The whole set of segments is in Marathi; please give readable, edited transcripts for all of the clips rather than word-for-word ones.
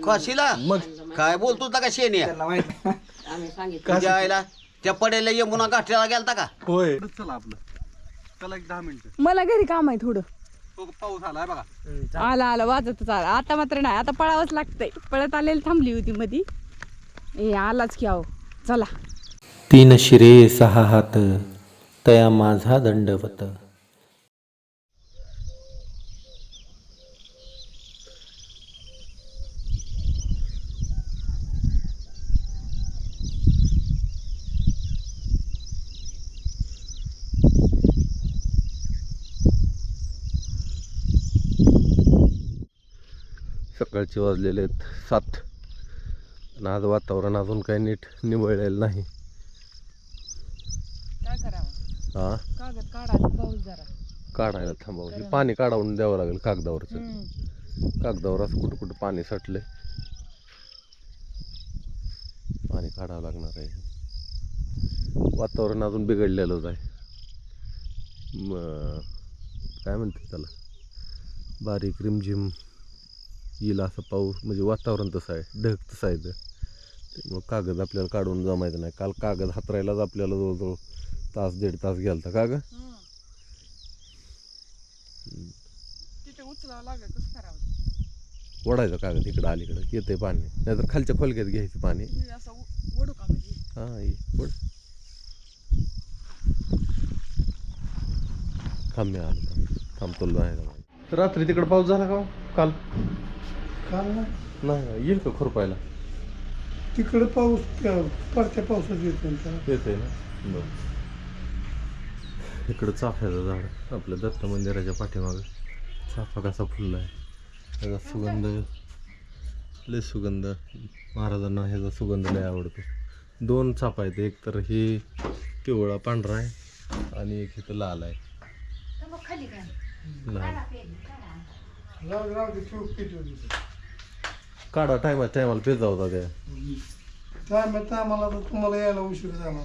काशीला मग काय बोलतो का शेण्या त्यांना माहित आम्ही सांगितलं तुझ्या आईला त्या पडेला यमुना गाठ्याला गेलता का होय चला आपलं चला एक 10 मिनिटं मला घरी काम आहे थोडं. तो पाऊस आलाय बघा. आला आला वाजतच आला. आता मात्र नाही, आता पळावंच लागतंय. पळत आलेली थांबली होती मधी. ए आलाच की आहो, चला. 3 शिरे 6 हात तया माझा दंडवत. सकाळचे वाजलेले आहेत 7 आणि आज वातावरण अजून काही नीट निवळलेलं नाही. काय करावं? हा कागद काढायचा पाऊस जरा. काढायला थांबावं. हे पाणी काढावून द्यावं लागेल कागदावरचं. कागदावर असं कुठं कुठं पाणी साठलंय, पाणी काढावं लागणार आहे. वातावरण अजून बिघडलेलंच आहे. काय म्हणते त्याला, बारीक रिमझिम येईल असं पाऊस, म्हणजे वातावरण तसं आहे, ढग तसं आहे. मग कागद आपल्याला काढून जमायचं नाही. काल कागद हातरायलाच आपल्याला जवळजवळ तास 1.5 तास गेलता. का ग तिथे उचलावं लागेल, कसं करावं? ओढायचं कागद इकडं अलीकडं, येते पाणी. नाहीतर खालच्या खोलक्यात घ्यायचं पाणी. असं ओढू का म्हणजे? हां ये ओढ. थांब आलो, थांबतो नाही. रात्री तिकडं पाऊस झाला का काल? काल ना नाही येईल का खुरपायला? तिकडं पाऊस परत्या पावसात येतो येते ना. बरं. इकडं चाफ्याचं झाड आपल्या दत्त मंदिराच्या पाठीमागं. चाफा कसा फुलला आहे, त्याचा सुगंध लय सुगंध. महाराजांना ह्याचा सुगंध लय आवडतो. 2 चाफा आहेत, एक तर ही पिवळा पांढरा आहे आणि एक इथं लाल आहे. लाल काढा टायमाला पेजा होता त्या. आम्हाला तर तुम्हाला यायला उशीर झाला.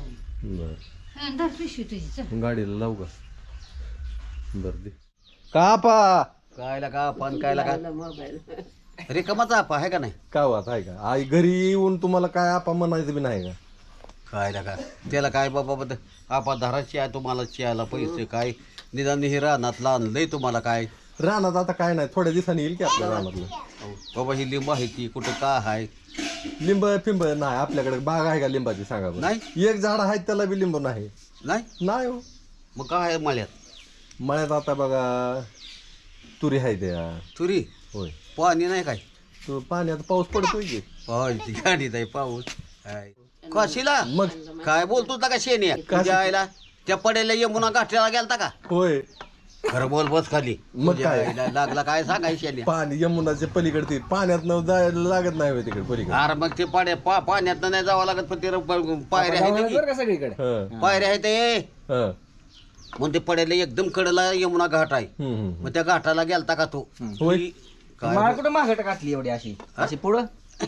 बरं गाडीला लावू का? बरं दे कापा. कायला का पण कायला का मोबाईल रिकामाचा आपा आहे का नाही? काय वाट आहे का? आई घरी येऊन तुम्हाला काय आपा म्हणायचं बी नाही का? कायला का त्याला काय बाबा आपा धराची आहे तुम्हाला चियाला पैसे काय निदान हे रानात आणलंय तुम्हाला काय रानात आता काय नाही, थोड्या दिवसांनी येईल की आपल्या रानातलं. बाबा ही लिंब आहे ती कुठं का आहे? लिंब पिंब नाही आपल्याकडे. बाग आहे का लिंबाची सांगा बरं? नाही. एक झाड आहे त्याला बी लिंब नाही. नाही नाही हो. मग काय आहे मळ्यात? मळ्यात आता बघा तुरी आहे त्या. तुरी होय. पाणी नाही काय? तो पाण्यात पाऊस पडतोय की. पाऊस गाडीत आहे पाऊस. काशीला मग काय बोलतो का शेण्या? तुझ्या आईला त्या पडेला यमुना गाठ्याला गेलता का? होय. खरं बोल बस खाली. मग तुझ्या काय? आईला लागला काय सांगायचं शेण्या? पाणी यमुनाच्या पलीकडे पाण्यात न जायला लागत नाही होय तिकडे पलीकडे. अरे मग ते पाण्यात नाही जावं लागत पण ते पायऱ्या आहेत हं, का सगळीकडे की? पायऱ्या आहेत ते हं. मग ते पडेला एकदम कडला यमुना घाट आहे. हं. मग त्या घाटाला गेलता का तू? होय. काय मला कुठं मागट घातली एवढी अशी अशी पुढं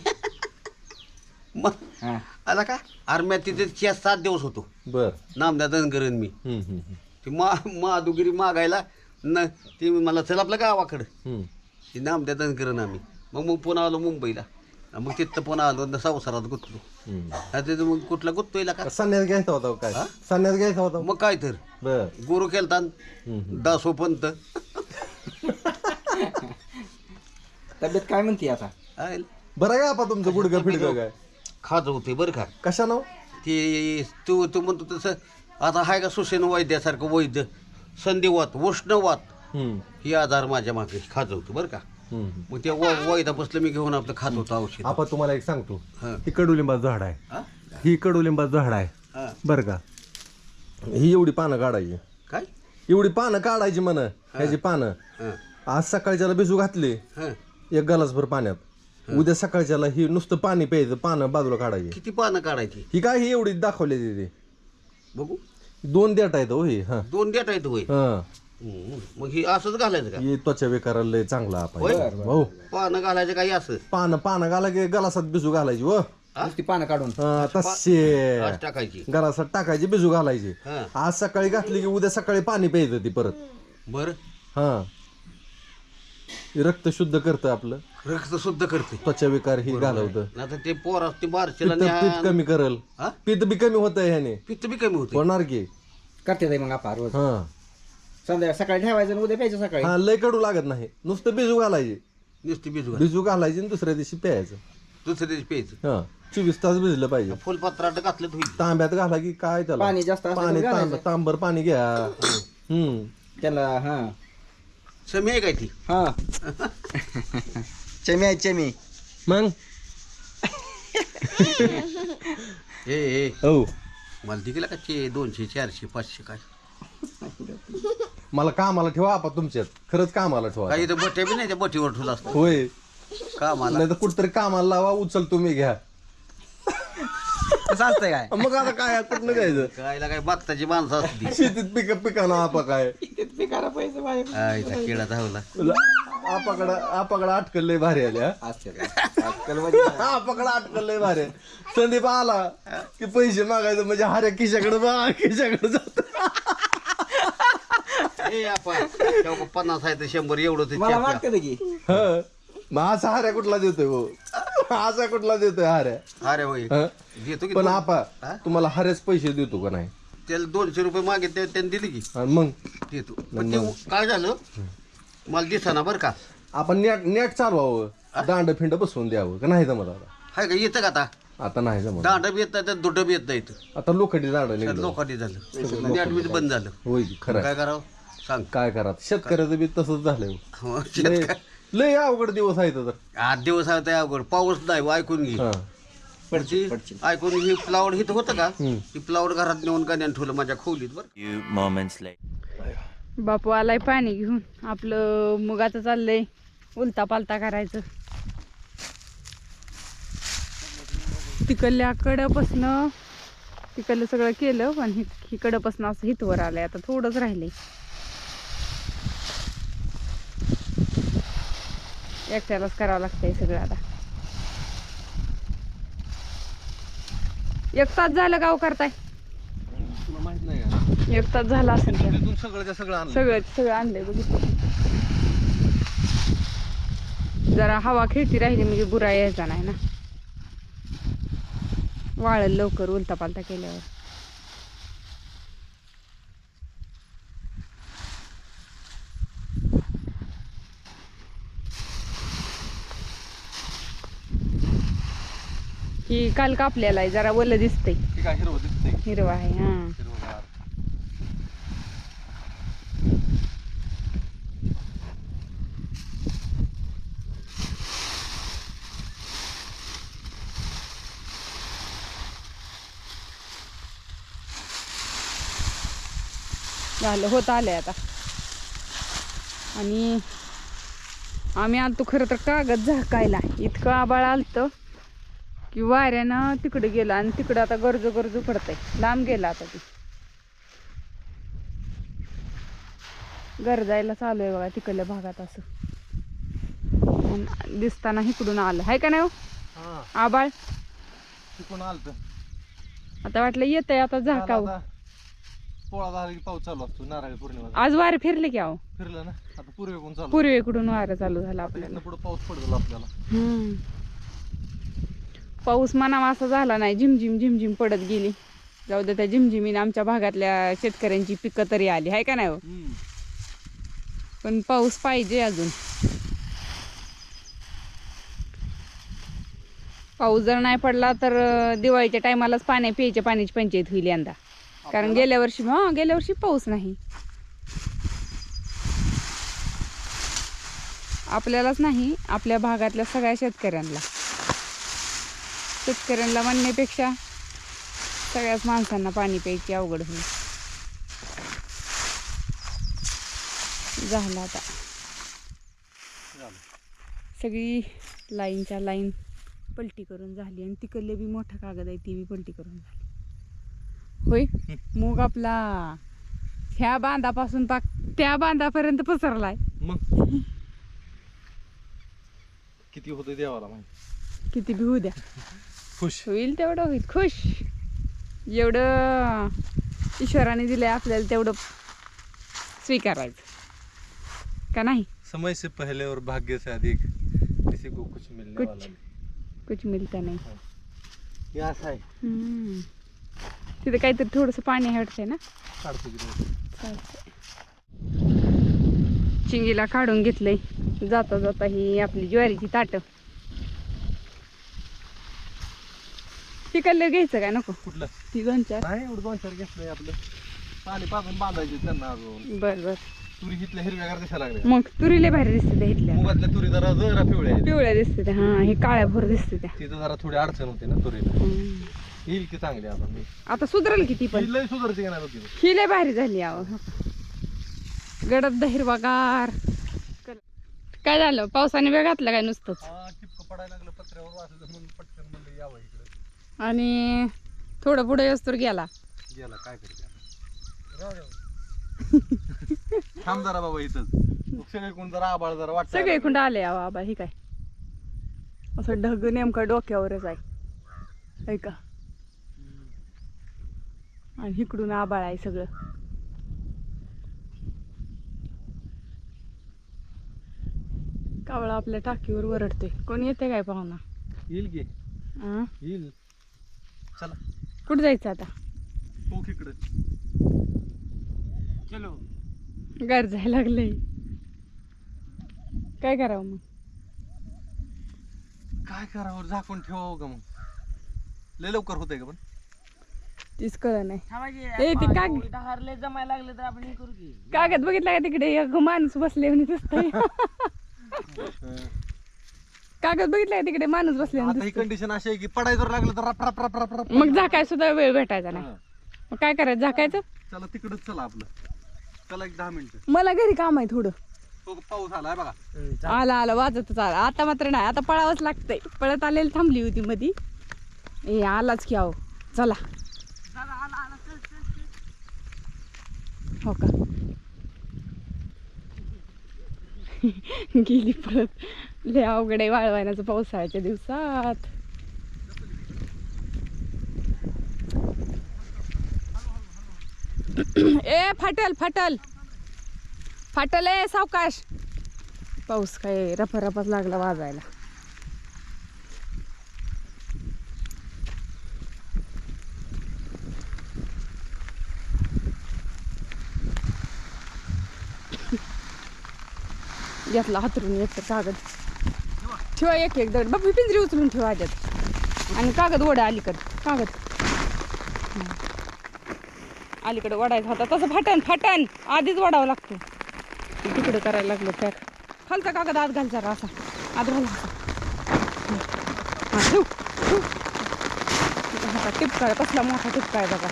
मग हा. आला का? अरे मी तिथे 7 दिवस होतो बर. नामदा धनगरन मी. हं. ती माधुगिरी मागायला न ती मला चल आपल्या गावाकडं. हं. ती नामदा धनगरन आम्ही. मग पुन्हा आलो मुंबईला. मग तिथं पुन्हा आलो न संसारात गुंतलो. तिथं मग कुठला गुंतोयला का? संन्यास घ्यायचा होता काय? संन्यास घ्यायचा होता. मग काय तर बर. गुरु केलता दासो पंत. तब्येत काय म्हणते आता? बरं काय आपा तुमचं गुडगं फिडगं काय? खाज होते बरं का. कशा नाव? ते तू म्हणतो तसं आता हाय का सुसेन वैद्यासारखं वैद्य संधिवात उष्णवात ही आजार माझ्या मागे खाज होतं बरं का. मग त्या वैद्यापासलं मी घेऊन आपलं खात होतो औषध. आपा तुम्हाला एक सांगतो, हं. ही कडुलिंबाचं झाड आहे. हा? ही कडुलिंबाचं झाड आहे हा. बरं का. ही एवढी पानं काढायची, काय? एवढी पानं काढायची म्हण. ह्याची पानं हं. आज सकाळच्याला भिजू घातली हं. 1 ग्लासभर पाण्यात. उद्या सकाळच्याला ही नुसतं पाणी प्यायचं, पानं बाजूला काढायची. किती पानं काढायची ही काय ही एवढी दाखवली तिथे. बघू? 2 देठ आहेत हो ही. हा 2 देठ आहेत होय. हा. मग ही असंच घालायचं का? ही त्वचा विकाराला लय चांगला आपण. होय? हो. पानं घालायचं काही असं पानं घाला की गलासात भिजू घालायची हो. नुसती पानं काढून तसे आज टाकायची. गलासात टाकायची, भिजू घालायची. हं. आज सकाळी घातली की उद्या सकाळी पाणी प्यायचं ती परत. बरं हा रक्त शुद्ध करतं आपलं, रक्त शुद्ध करते. त्वचा विकार ही घालवतं, आता ते पोर असते बारशीला पित्त कमी करल, हा? पित्त बी कमी होतं ह्याने, पित्त बी कमी होते. होणार की. करते ताई मग आपण रोज हा संध्याकाळी सकाळी ठेवायचं आणि उद्या प्यायचं सकाळी. हा लय कडू लागत नाही, नुसतं बिजू घालायचे, नुसती बिजू बिजू घालायचे आणि दुसऱ्या दिवशी प्यायचं. दुसऱ्या दिवशी प्यायचं. हा 24 तास भिजलं पाहिजे. फुलपत्राट घातलं तर होईल. तांब्यात घाला की काय त्याला पाणी जास्त असलं तर पाणी घालायचं. तांबर पाणी घ्या. त्याला हा समी आहे काय ती? हा चमी आहे चमी. मग ए हो मला दिला का 200 400 500 काय मला कामाला ठेवा आपा तुमच्यात, खरंच कामाला ठेवा. काही तर बट्या बी नाही त्या बटीवर ठेवला असतो होय, का मला. नाही तर कुठतरी कामाला लावा, उचल तुम्ही घ्या. कसं असतंय काय मग आता काय कुठनं द्यायचं, कायला काय बघताची माणसं असती. शेतीत पिकाना आपा काय पिकाला पैसे पाहिजे आईचा किडा धावला. आपाकडे अटकल लय भारी आल्या. असते आजकाल म्हणजे आपाकडे अटकल लय भारी. संदीप आला की पैसे मागायचं म्हणजे हाऱ्या खिशाकडे जात. ए आपण 50 आहे तर 100 एवढं ते मला चहा प्या. वाटतं की मग असा हाऱ्या कुठला देतोय हो, असा कुठला देतोय हाऱ्या. अरे होय हं? देतो की पण दोन- आपा हा? तुम्हाला हाऱ्याच पैसे देतो का नाही, त्याला 200 रुपये मागितले त्यांनी दिले की आणि मग देतो. पण ते काय झालं मला दिसाना बरं का. आपण नेट चालवावं, दांड फिंड बसवून द्यावं का नाही जमत आता. हाय का येतं का आता आता नाही जमत, दांड बी येत नाही दुटं बी येत नाही इथं. आता लोखंडी दांड निघलं. लोकांनी झालं नेट बी बंद झालं. होय की, खरं आहे. काय करावं सांग. काय करा, शेतकऱ्याचं बी तसंच झालंय. हो, लय शेतकरी- लय अवघड दिवस आहेत तर. 8 दिवस आहे त्या अवघड पाऊस नाही ऐकून घे. हा. ती ऐकून ही फ्लावर हिथं होतं का ती फ्लावर घरात नेऊन गाण्यान ठेवलं माझ्या खोलीत बरं. बापू आलाय पाणी घेऊन. आपलं मुगाचं चाललंय उलता पालता करायचं. तिकडल्या कड्यापासनं तिकडलं सगळं केलं पण ही कड्यापासनं असं हितवर आलंय. आता थोडंच राहिलंय. एकट्यालाच करावं लागतंय सगळं आता. 1 तास झालं गाव करताय. तुला माहित नाही का, 1 तास झाला असेल तर. तिथून सगळं आणलं. सगळं आणलंय बघितलं. जरा हवा खेळती राहिली म्हणजे बुरा यायचा नाही ना. वाळल लवकर उलता पालता केल्यावर. ही काल कापलेला आहे, जरा वल्ल दिसतंय. ठीक आहे, हिरवं दिसतंय. हिरवा आहे हा. हिरवंगार. झालं होत आलंय आता. आणि आम्ही आलतो खरं तर कागद झाकायला. इतकं आबाळ आलतं की वाऱ्यानं तिकडे गेलं आणि तिकडं आता गरजू पडतंय. लांब गेला आता ती गरजायला चालू आहे बघा तिकडल्या भागात. असं आणि दिसताना इकडून आलं आहे का नाही हो हा, आबाळ. तिकडून आलतं. आता वाटलं येतंय आता झाकावं. आता पोळा झाला की पाऊस चालू असतो, नारळी पौर्णिमा आज वारे फिरले की अहो. फिरलं ना, आता पूर्वेकडून चालू. पूर्वेकडून वारं चालू झालं आपल्याला. पुढे पाऊस पडतो आपल्याला. पाऊस म्हणावा असा झाला नाही. झिमझिम पडत गेली. जाऊ दे, त्या झिमझिमीने आमच्या भागातल्या शेतकऱ्यांची पिकं तरी आली आहे का नाही हो. पण पाऊस पाहिजे अजून. पाऊस जर नाही पडला तर दिवाळीच्या टायमालाच प्यायच्या पाण्याची पंचायत होईल यंदा. कारण गेल्या वर्षी पाऊस नाही. आपल्यालाच नाही, आपल्या भागातल्या सगळ्या शेतकऱ्यांना म्हणण्यापेक्षा सगळ्याच माणसांना पाणी प्यायची अवघड होईल. झालं आता सगळी लाईनच्या लाईन पलटी करून झाली. आणि तिकडले बी मोठा कागद आहे ती बी पलटी करून झाली. होय, मूग आपला ह्या बांधापासून पाक त्या बांधापर्यंत पसरलाय. मग किती होतं देवाला माहिती. किती बी होऊ द्या, खुश होईल तेवढं होईल. खुश. जेवढं ईश्वराने दिलंय आपल्याला तेवढं स्वीकारायचं का नाही. समय से पहले और भाग्य से अधिक किसी को कुछ मिलने वाला कुछ नहीं. कुछ मिळता नाही. हे असं आहे. तिथे काहीतरी थोडंसं पाणी हटतंय ना. काढतो की नाही. चालतंय. चिंगीला काढून घेतलंय. जाता जाता ही आपली ज्वारीची ताटं. तिकडलं घ्यायचं काय नको कुठलं ती 2-4. नाही एवढं 2-4 घेतलंय आपलं. पाणी पाजून बांधायचे त्यांना अजून. बर तुरी हिथल्या हिरव्यागार दिसायला लागल्या. मग तुरीले भारी दिसते त्या इथल्या. मुगातल्या तुरी जरा पिवळ्या आहेत. पिवळ्या दिसते त्या. हा हे काळ्या भोर दिसते त्या. तिथं जरा थोडी अडचण होते ना तुरीला. येईल की चांगली आता मी आता सुधरेल किती पण. ही लय सुधारते का नाही बघ. ही लय भारी झाली आव. गडद हिरवागार. काय झालं पावसाने वेळ घातला काय नुसतंच. टिपकं पडायला लागलं पत्र्यावर वाचलं म्हणून पटकन म्हणलं यावं इकडे. आणि थोडं पुढे येस्तोर गेला. गेला काय करते थांब जरा बाबा इथंच. सगळे कोण जरा आबाळ जरा वाटत सगळे कुंड आले आवा आबा. ही काय असं ढग नेमका डोक्यावरच आहे ऐका. आणि इकडून आबाळ आहे सगळं. कावळा आपल्या टाकीवर वरडतोय. कोण येते काय पाहुणा. येईल की हा येईल. चला कुठं जायचं आता. तो इकडे चलो गरजायला लागलंय. काय करावं मग. काय करावं झाकून ठेवावं का मग. लय लवकर होतंय का पण. तीच कळ नाही. ए ते जमायला लागले तर आपण हे करू की. कागद बघितला का तिकडे एक माणूस बसले म्हणे दिसतंय. कागद बघितला का तिकडे माणूस बसले आता ही कंडिशन अशी आहे की पडायचं जर लागलं तर रप रप रप रप रप. मग झाकाय सुद्धा वेळ भेटायचा नाही. मग काय करायचं झाकायचं. चला तिकडच चला आपलं. चला एक 10 मिनिटं. मला घरी काम आहे थोडं. तो पाऊस आलाय बघा. आला आला वाजतच आला. आता मात्र नाही. आता पळावंच लागतंय. पळत आलेली थांबली होती मधी. ए आलाच की आहो. चला हो का. गेली परत. लय अवघड आहे वाळवायचं पावसाळ्याच्या दिवसात. ए फाटल फाटल फाटल. ए सावकाश. पाऊस काय रपारपाच लागला वाजायला. घेतला हातरून एक तर कागद ठेवा. एक एक दगड बाबी पिंजरी उचलून ठेवा आज्यात. आणि कागद ओढा अलीकडं. कागद अलीकडे ओढायचा होता. तसं फाटन फाटन आधीच ओढावं लागतं. तिकडे करायला लागलं पॅक. खालचा कागद आत घाल जरा असा. आत घाल असा. ठेव ठेव. टिपकाळ कसला मोठा टिपकाळ बघा.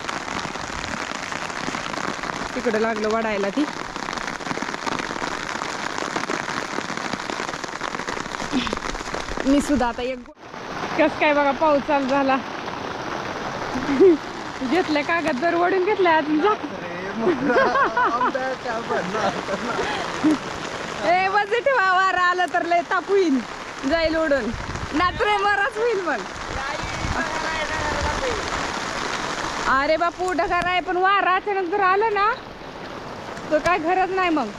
तिकडे लागलं वडायला ती. मी सुद्धा आता एक कस काय बघा पाऊस चालू झाला. घेतलं कागद जर ओढून घेतलाय अजून जा. ए वज ठेवा. वारा आलं तर लय ताप होईल. जाईल ओढून. नात्रे मराच होईल मग. अरे बापू ढगार आहे पण वारा अचानक जर आलं ना तर काय गरज नाही मग.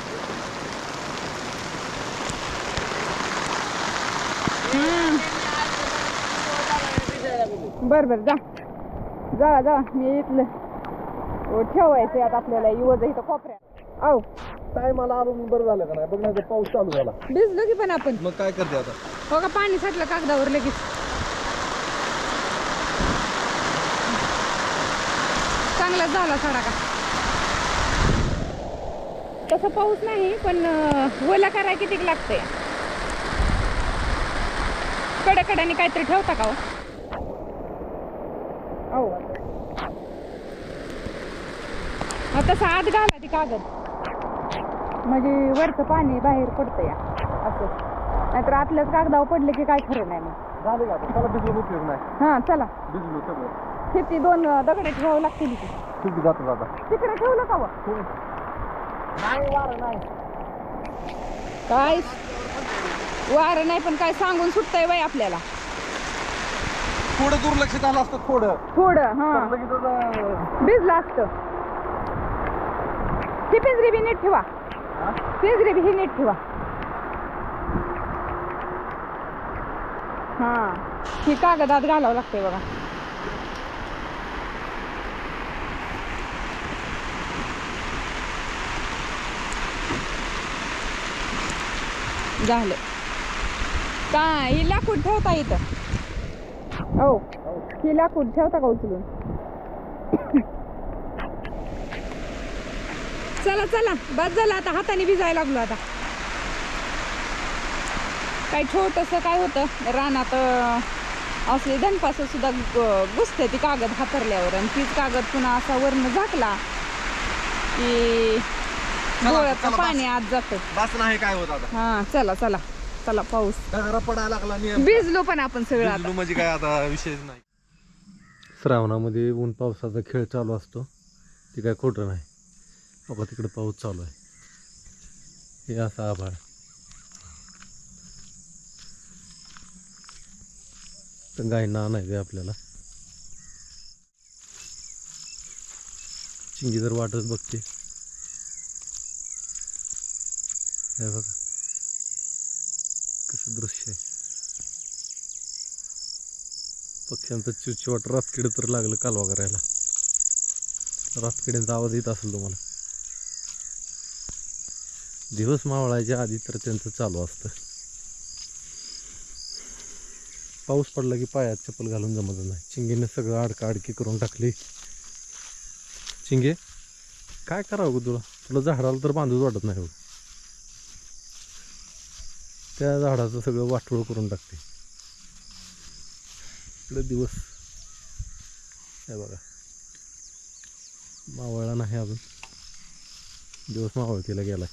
बर बर जा जा जा. मी इथलं ठेवायचं आता आपल्याला युवज इथं कोपऱ्यात. आहो टायमाला आलो बरं झालं का नाही. बघ नाही तर पाऊस चालू झाला. भिजलो की पण आपण. मग काय करते आता. हो का पाणी साठलं कागदावर लगेच. चांगलाच झाला सडा का. तसं पाऊस नाही पण ओला कराय किती लागतंय. कडाकडाने काहीतरी ठेवता का हो. तसं आत घाला ती कागद म्हणजे वरचं पाणी बाहेर पडतं या असं. नाहीतर आतल्याच कागदावर पडले की काय खरं नाही मग. झाले का आता. चला भिजलो उपयोग नाही. हां चला. भिजलो सगळं. किती 2 दगड ठेवावं लागतील की. खूप जातो आता. तिकडे ठेवलं का काय वारं नाही पण काय सांगून सुटतंय बाई आपल्याला. थोडं दुर्लक्ष झालं असतं. थोडं हा भिजलं असतं. ती पिंजरी बी नीट ठेवा. पिंजरे बी हे नीट ठेवा. हा ही कागदात घालावं लागतंय बघा. झालं काय ही लाकूड ठेवता इथं. हो ही लाकूड ठेवता का उचलून. चला चला बस झालं आता. हाताने भिजायला लागलो आता. काय छोटंसं काय होतं रानात असले धनपास सुद्धा घुसते ती कागद हातरल्यावर. आणि तीच कागद पुन्हा असा वरनं झाकला की डोळ्याचं पाणी आत जातं. बस नाही काय होत आता. हा चला चला चला. पाऊस दगडा पडायला लागला नियम. भिजलो पण आपण सगळं आता. म्हणजे काय आता विषयच नाही. श्रावणामध्ये ऊन पावसाचा खेळ चालू असतो ते काय खोटं नाही. बघा तिकडे पाऊस चालू आहे. हे असं आभाळ. तर गायना आणायचं आहे आपल्याला. चिंगी जर वाटच बघते. हे बघा कसं दृश्य आहे. पक्ष्यांचं चिवचिवाट. रातकिडे तर लागलं कालवा करायला. रातकिड्यांचा आवाज येत असेल तुम्हाला. दिवस मावळायच्या आधी तर त्यांचं चालू असतं. पाऊस पडला की पायात चप्पल घालून जमत नाही. चिंगीने सगळं अडकाअडकी करून टाकली. चिंगे काय करावं ग तुला. तुला झाडाला तर बांधूच वाटत नाही बघ. त्या झाडाचं सगळं वाटोळ करून टाकते. इकडे दिवस हे बघा मावळला नाही अजून. दिवस मावळतीला गेलाय.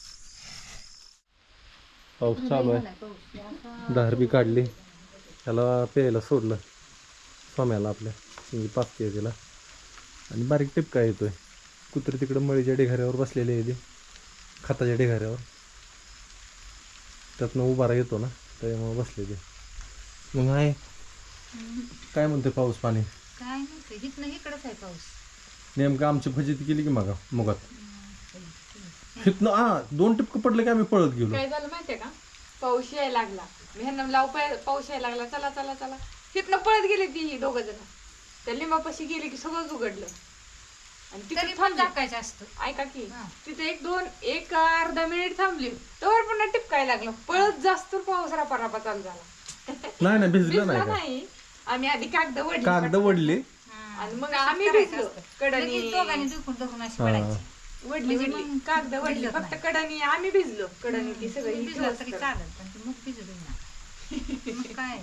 पाऊस चालू आहे. धार बी काढली. त्याला प्यायला सोडलं स्वाम्याला आपल्या. चिंगी पाचते तिला. आणि बारीक टिपका येतोय. कुत्री तिकडं मळीच्या ढेघाऱ्यावर बसलेले आहे ते. खताच्या ढेघाऱ्यावर. त्यातनं उभारा येतो ना त्यामुळे बसले ते. मग आहे काय म्हणतोय पाऊस पाणी. काय नाही हिथनं इकडंच आहे पाऊस. नेमकं आमची फजिती केली की मागा मुगात. हिथनं 2 टिपकं पडले की आम्ही पळत गेलो. काय झालं माहितीये का. पाऊस यायला लागला. मी ह्यांना लाव पाऊस यायला लागला. चला चला चला. तिथनं पळत गेले ती दोघ जण. त्या लिंबापाशी गेले की सगळंच उघडलं. आणि तरी तिथे पण टाकायचं असतं. ऐका की तिथे एक अर्धा मिनिट थांबली तर पुन्हा टिपकायला लागलं. पळत जास्त पाऊस रापा चालू झाला. नाही भिजलं भिजला नाही का. नाही. आम्ही आधी कागद कागद वडली. आणि मग आम्ही भिजलो. कडणी दोघांनी दुखून अशी पडायची. वडली कागद वडली फक्त कडणी. आम्ही भिजलो कडणी. ती सगळी भिजलं तरी चालेल पण ती मग भिजू ना. मग काय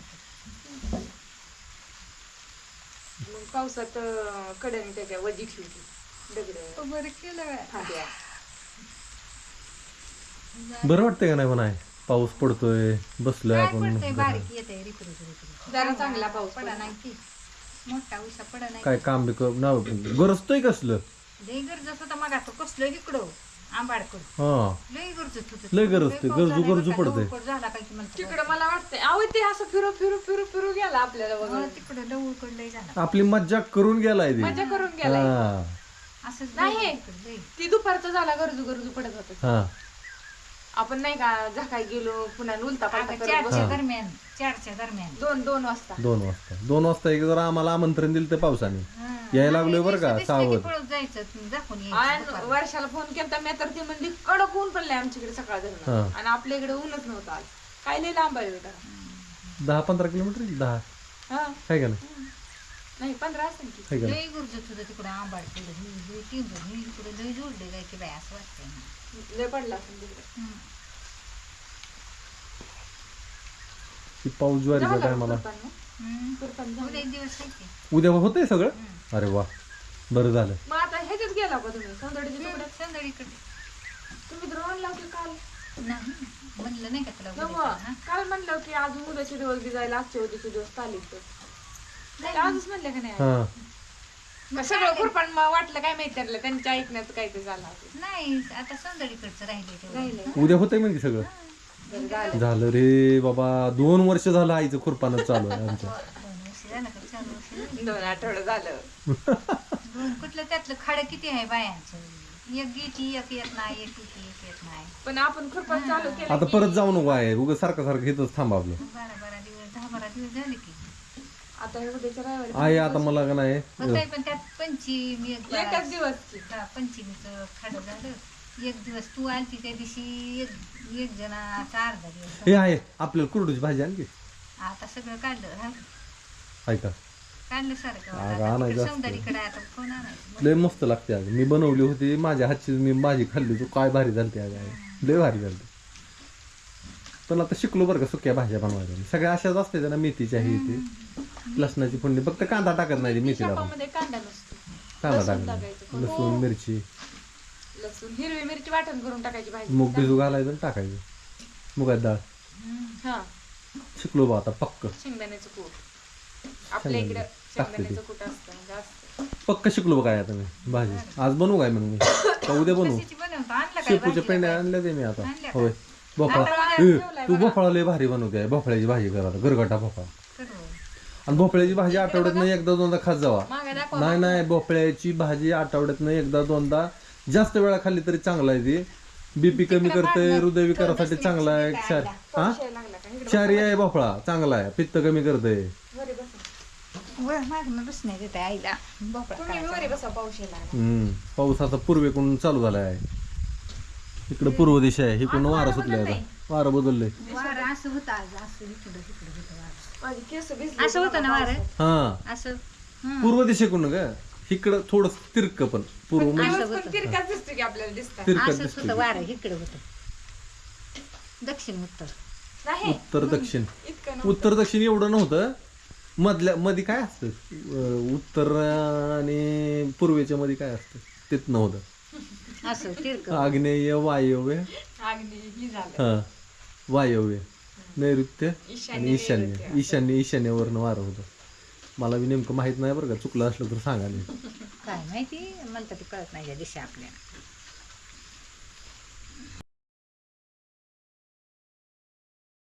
मग पावसात कडणी त्याच्या वजी ठेवली. दगड बरं केलं. बरं वाटतंय का नाही म्हणा. पाऊस पडतोय बसलोय काय आपण. पडतंय बारीक येते रिपरू जरा चांगला पाऊस पडा नाही की मोठा उसा पडा नाही. काय काम बी गरजतोय कसलं. लई गरजत होता मग आता कसलं इकडं आंबाडकडं. हा लई गरजत होत. लय गरजतोय. गरजू पडतंय. झाला काय की मला तिकडं मला वाटतंय अहो ते असं फिरू फिरू फिरू फिरू गेला आपल्याला वगैरे. तिकडं लवकर लई झाला. आपली मज्जा करून गेलाय ते. मजा करून गेला. हा असंच नाही लई. ती दुपारचा झाला. गरजू पडत होत. हा आपण नाही का झाकाय गेलो पुन्हा उलता पालटा आता करत 4च्या दरम्यान 4च्या दरम्यान 2 वाजता 2 वाजता एक जरा आम्हाला आमंत्रण दिलं तर पावसाने. यायला लागलोय बरं का सावध. पळत जायचं दाखवून आणि वर्षाला फोन केला मी तर ती म्हणली कडक ऊन पडलंय आमच्याकडे सकाळ धरून. हा. आणि आपल्या इकडे ऊनच नव्हतं आज. काय लय लांब आहे बेटा. 10-15 किलोमीटर 10 हा आहे का नाही. नाही 15 असेल की. आहे का लई गरजत होतं तिकडं आंबाड केलं. इकडे लई जोडले काय की बाय असं वाटतंय. लय पडला असेल तिकडे. ती पाऊस ज्वारीच्या टायमाला. उद्या एक दिवस आहे की. उद्या होतंय सगळं. अरे वा बरं झालं. मग आता ह्याच्यात गेला का तुम्ही सौंदर्याच्या तुकड्यात. संध्याकाळीकडे तुम्ही द्रोण लावले काल. नाही म्हणलं नाही का तुला उद्या नव्ह, कर, हा? काल म्हणलं की अजून उद्याचे दिवस बी जायला आजच्या उद्याचे दिवस चालेल तर आजच म्हणलं का नाही. हा मग सगळं खुरपण वाटलं काय माहिती त्याला त्यांच्या ऐकण्यात काय ते झालं असेल. नाही आता संध्याकाळचं राहिले तेवढं. राहिलंय. उद्या होतंय म्हणजे सगळं. झालं रे बाबा. 2 वर्ष झालं आईचं खुरपानं चालू आहे आमच्या. 2 वर्ष झालं का 4 वर्ष झाली? 2 आठवडं झालं. कुठलं त्यातलं खाडं किती आहे बायांचं. एक गेटी एक येत नाही एक गेटी एक येत नाही पण आपण खुरपण चालू केलं आता परत जाऊ नको आहे उगं सारखं सारखं इथंच थांबा आपलं 12 दिवस झाले की आता हे उद्याच्या रविवारी आहे आता मला का नाही होतंय पण त्यात पंचमी एकच दिवस की. पंचमीचं खाडं झालं एक दिवस तू आलती त्या दिवशी एक जणाचा अर्धा दिवस हे आहे आपल्याला कुरडूची भाजी आणखी आता सगळं काढलं हा आहे का काढलं सारखं अगं, आणायचं असतं. सौंदर्यकडे आता कोण आणायचं लय मस्त लागते आज मी बनवली होती माझ्या हातची मी भाजी खाल्ली तू काय भारी झालती आज आहे लय भारी झालती पण आता शिकलो बरं का सुक्या भाज्या बनवायला सगळ्या अशाच असते ना मेथीच्या ही ती लसणाची फोडणी फक्त कांदा टाकत नाही ती मेथीला पण मध्ये कांदा नसतो कांदा लसूण टाकत टाकायचं. लसूण मिरची लसूण हिरवी मिरची वाटण करून टाकायची भाजी मूग भिजू घालायचं आणि टाकायचं मुगाची डाळ हा शिकलो बा आता पक्क शेंगदाण्याचं कूट आपल्या इकडं शेंगदाण्याचं कूट असतं जास्त पक्क शिकलो काय आता मी भाजी आज बनवू काय मग मी का उद्या बनवू कशाची बनवतो आणलं काय शेपूच्या पेंड्या आणल्या ते मी आता होय भोपळा ए, तू भोपळा लय भारी बनवते भोपळ्याची भाजी करा आता गरगटा भोपळा करू आणि भोपळ्याची भाजी आठवड्यातनं एकदा दोनदा खात जावा मागे दाखवा नाही नाही भोपळ्याची भाजी आठवड्यातनं एकदा दोनदा जास्त वेळा खाल्ली तरी चांगला आहे ती बीपी कमी करते हृदयविकारासाठी चांगला आहे हा लागला का इकडं क्षारी आहे भोपळा चांगला आहे पित्त कमी करते वरी बसा वर मागणं बसण्यात येते आईला भोपळा तुम्ही वरी बसा पाऊस लागला पाऊस आता पूर्वेकडून चालू झाला आहे इकडं पूर्व दिशा आहे इकडून वारं सुटलंय आता वारं बदललंय वारं असं होतं आज असं इकडं होतं वारं माझी केस भिजली असं होतं ना वारं हा असं पूर्व दिशेकडून ग इकडं थोडं तिरक पण पूर्व म्हणजे पण तिरकाच दिसतो की आपल्याला दिसतात तिरकत असंच दिसते होतं वारं इकडं होतं दक्षिण उत्तर नाही उत्तर दक्षिण इतकं उत्तर दक्षिण एवढं नव्हतं मध्ये काय असतं उत्तर आणि पूर्वेच्या मध्ये काय असतं तेच नव्हतं असं तिरक आग्नेय वायव्य अगदी ही झालं हा वायव्य नैऋत्य ईशान्य, आणि ईशान्य ईशान्य ईशान्यवरनं वारं होतं मला बी नेमकं माहित नाही बरं का चुकलं असलं तर सांगा नाही काय माहिती मला तर ते कळत नाही या दिशा आपल्याला